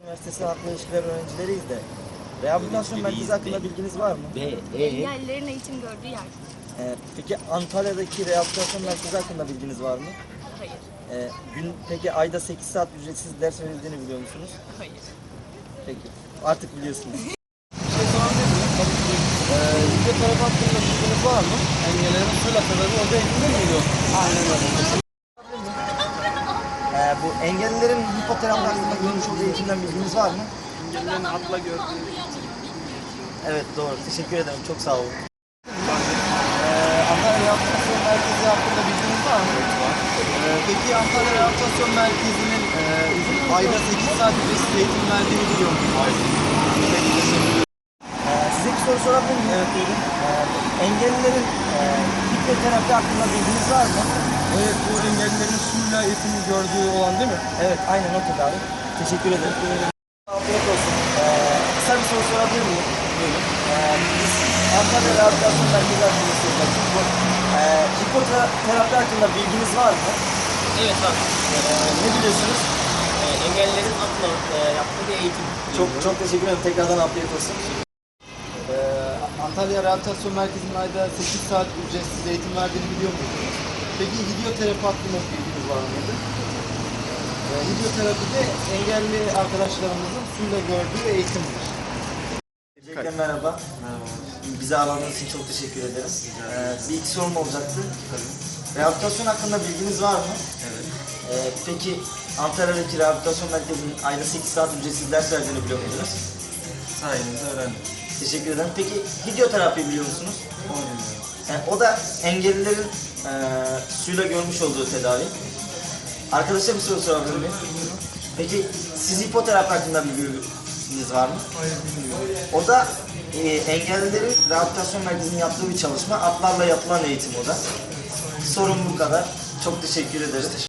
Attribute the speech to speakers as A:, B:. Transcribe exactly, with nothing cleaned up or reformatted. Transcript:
A: Üniversitesi Halkla İlişkiler öğrencileriyiz de. Rehabilitasyon merkezi hakkında bilginiz var mı?
B: Ve e,
C: Engellilerin eğitim gördüğü yer.
A: Ee, peki Antalya'daki rehabilitasyon merkezi hakkında bilginiz var mı?
C: Hayır.
A: Ee, gün, peki ayda sekiz saat ücretsiz ders verildiğini biliyor musunuz?
C: Hayır.
A: Peki. Artık biliyorsunuz.
D: Bir şey sorabilir miyim? Tabii ki. Ee, fizyoterapi hakkında bilginiz var mı? Engellerin suyla sebebi orada eğitimde miydi o? Aynen öyle.
A: Ee, bu engellilerin hipoterapi hakkında görmüş olduğu eğitimden bilginiz var mı?
D: Engellerin atla gördüğü.
A: Evet, doğru. Teşekkür ederim. Çok sağ olun. Ee, Antalya Rehabilitasyon Merkezi hakkında bilginiz var mı? Ee, peki Antalya Rehabilitasyon Merkezi'nin e, ayda sekiz saat ücretsiz eğitim verdiğini biliyor musunuz? Peki, teşekkür ederim. Ee, size bir soru sorabilir miyim? Evet, buyurun. Ee, engellilerin e, hipoterapi hakkında bilginiz var mı?
D: Evet, bu engellilerin suyla eğitimi gördüğü olan değil mi?
A: Evet, aynen o tedavi. Teşekkür ederim. Afiyet olsun. Ee, kısa bir soru sorabilir miyim? Buyurun. Ee, biz Antalya Rehabilitasyon Merkezi hakkında soracaksın. Bu e, hipoterapi hakkında bilginiz var mı?
E: Evet abi.
A: Ee, ne biliyorsunuz?
E: Ee, engellilerin atla e, yaptığı bir eğitim.
A: Çok çok teşekkür ederim. Tekrardan afiyet olsun.
D: Ee, Antalya Rehabilitasyon Merkezi'nin ayda sekiz saat ücretsiz eğitim verdiğini biliyor muydunuz? Peki hidyoterapi hakkında bilginiz var mıydı? Ee, hidyoterapi de engelli arkadaşlarımızın suyla gördüğü eğitimdir.
A: Öncelikle merhaba. Bizi ağırladığınız için çok teşekkür ederim. Ee, bir iki sorum olacaktı. Rehabilitasyon hakkında bilginiz var mı?
D: Evet.
A: Ee, peki Antalya'daki rehabilitasyon merkezinin ayda sekiz saat ücretsiz ders verdiğini biliyor muydunuz?
D: Sayenizde öğrendim.
A: Teşekkür ederim. Peki hidyoterapi biliyor musunuz?
D: Onu bilmiyorum.
A: Yani o da engellilerin e, suyla görmüş olduğu tedavi. Arkadaşa bir soru sorabilir miyim? Peki siz hipoterapi hakkında bilginiz var mı?
D: Hayır, bilmiyorum.
A: O da e, engellilerin rehabilitasyon merkezinin yaptığı bir çalışma. Atlarla yapılan eğitim o da. Sorun bu kadar. Çok teşekkür ederiz.